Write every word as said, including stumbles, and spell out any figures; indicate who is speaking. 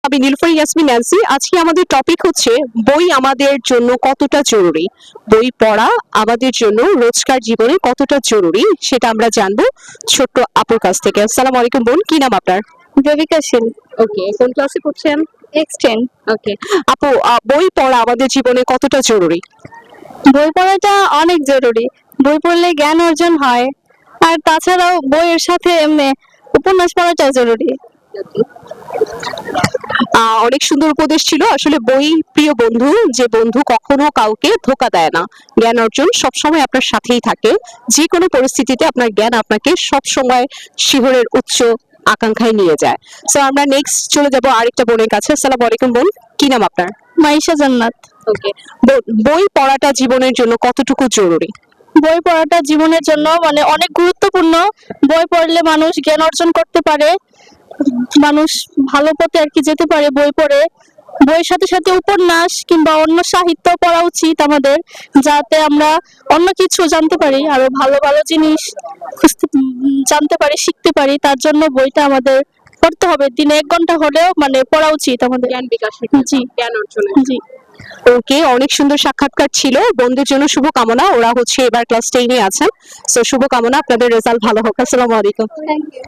Speaker 1: আমি নীলুফার ইয়াসমিন ন্যান্সি। আজকে আমাদের টপিক হচ্ছে বই আমাদের জন্য কতটা জরুরি। বই পড়া আমাদের জন্য রোজকার জীবনে কতটা জরুরি সেটা আমরা জানবো ছোট্ট আপুর কাছ থেকে। আসসালামু আলাইকুম বোন, কি নাম আপনার?
Speaker 2: দেবিকা শীল।
Speaker 1: ওকে, কোন ক্লাসে পড়ছেন?
Speaker 2: এক্সটেন্ড।
Speaker 1: ওকে আপু, আহ, বই পড়া আমাদের জীবনে কতটা জরুরি?
Speaker 2: বই পড়াটা অনেক জরুরি। বই পড়লে জ্ঞান অর্জন হয়, আর তাছাড়াও বইয়ের সাথে এমনি উপন্যাস পড়াটা জরুরি।
Speaker 1: আহ অনেক সুন্দর উপদেশ ছিল। আসলে বই প্রিয় বন্ধু, যে বন্ধু কখনো কাউকে ধোকা দেয় না। জ্ঞান অর্জন সবসময় আপনার সাথেই থাকে। যে কোনো পরিস্থিতিতে আপনার জ্ঞান আপনাকে সবসময় শিহরের উচ্চ আকাঙ্ক্ষায় নিয়ে যায়। সো আমরা নেক্সট চলে যাব আরেকটা বোনের কাছে। আসসালামু আলাইকুম বোন, কি নাম আপনার?
Speaker 2: মাইশা জান্নাত।
Speaker 1: ওকে, বই পড়াটা জীবনের জন্য কতটুকু জরুরি?
Speaker 2: বই পড়াটা জীবনের জন্য মানে অনেক গুরুত্বপূর্ণ। বই পড়লে মানুষ জ্ঞান অর্জন করতে পারে, মানুষ ভালো পথে আর কি যেতে পারে বই পড়ে। বইয়ের সাথে সাথে উপন্যাস কিংবা অন্য সাহিত্য পড়া উচিত আমাদের, যাতে আমরা অন্য কিছু জানতে পারি, আরো ভালো ভালো জিনিস খুঁজতে উম, জানতে পারি, শিখতে পারি। তার জন্য বইটা আমাদের পড়তে হবে, দিনে এক ঘন্টা হলেও মানে পড়া উচিত আমাদের।
Speaker 1: জ্ঞান বিকাশের,
Speaker 2: জি
Speaker 1: জ্ঞান অর্জনের।
Speaker 2: জি।
Speaker 1: ওকে, অনেক সুন্দর সাক্ষাৎকার ছিল। বন্ধুদের জন্য শুভকামনা, ওরা হচ্ছে এবার ক্লাস টেনে আছেন। সো শুভকামনা, আপনাদের রেজাল্ট ভালো হোক। আসসালামু আলাইকুম।
Speaker 2: Thank you.